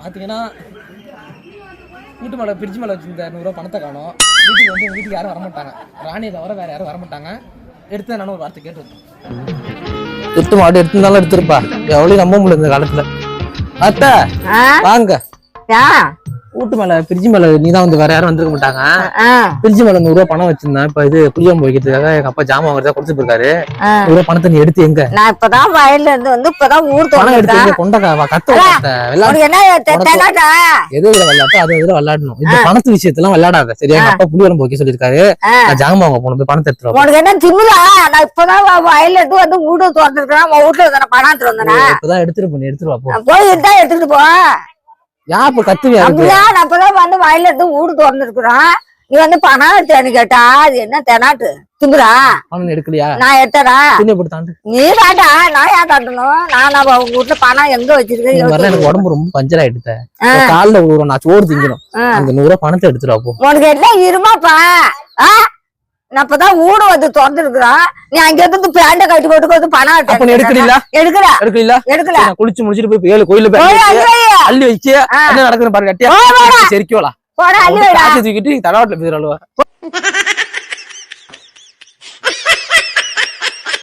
பார்த்தீங்கன்னா வீட்டு மேலே ஃப்ரிட்ஜ் மேலே வச்சிருந்த 100 ரூபா பணத்தை காணும். வீட்டுக்கு வந்து எங்கள் வீட்டுக்கு யாரும் வரமாட்டாங்க. ராணியை தவிர வேறு யாரும் வரமாட்டாங்க. எடுத்து நானும் ஒரு வார்த்தை கேட்டுருக்கேன். எடுத்து மாடு எடுத்துருந்தாலும் எடுத்துருப்பா. எவ்வளோ நம்ப முடியல இந்த காலத்தில். அத்தை வாங்க. வீட்டு மேல ஃப்ரிட்ஜ் மேல நீதான் வந்து வேற யாரும் வந்திருக்க மாட்டாங்க. ஃப்ரிட்ஜ் மேல 100 ரூபா பணம் வச்சிருந்தேன். இப்ப இது புளியாம்பு வைக்கிறதுக்காக எங்க அப்பா ஜாமான் வாங்குறதா கொடுத்து போயிருக்காரு. 100 ரூபா பணத்தை நீ எடுத்து எங்க? நான் இப்பதான் வயல்ல இருந்து வந்து இப்பதான் ஊர் பணம் எடுத்து எங்க கொண்டக்கா கத்த எது இதுல விளையாட்டு அது இதுல விளையாடணும். இந்த பணத்து விஷயத்தெல்லாம் விளையாடாத சரியா? எங்க அப்பா புளியாம்பு வைக்க சொல்லிருக்காரு. நான் ஜாமான் வாங்க போனது பணத்தை எடுத்துருவோம். உனக்கு என்ன திமுதா? நான் இப்பதான் வயல்ல இருந்து வந்து வீடு திறந்துருக்கேன். வீட்டுல வந்தேன் பணம் எடுத்துட்டு வந்தேன். இப்பதான் எடுத்துட்டு போய் எடுத்துருவா போய் எடுத்தா எடுத்துட்டு போ. யார் இப்ப கத்துவியா? அப்பதான் வந்து வயல்ல இருந்து வீடு திறந்துருக்குறோம். நீ வந்து பணம் தேனு கேட்டா அது என்ன தெனாட்டு திமுதா? பணம் எடுக்கலையா? நான் எடுத்தடா. நீ தாண்டா. நான் ஏன் தாண்டணும்? நான் வீட்டுல பணம் எங்க வச்சிருக்கேன்? எனக்கு உடம்பு ரொம்ப பஞ்சர் ஆயிடுத்த. காலைல விழுறோம், நான் சோறு திங்கணும். அந்த 100 ரூபா பணத்தை எடுத்துருவா போ. உனக்கு என்ன இருமாப்பா? நான் இப்பதான் ஊடு வந்து திறந்துருக்குறோம். நீ அங்க இருந்து பேண்ட கட்டி போட்டு வந்து பணம் எடுக்கல எடுக்கல. குளிச்சு முடிச்சிட்டு போய் 7 கோயில அள்ளி வைக்க என்ன நடக்குது பாருங்க. சரிக்கோலா அள்ளி தூக்கிட்டு தடாவட்டில் போயிடலாம்.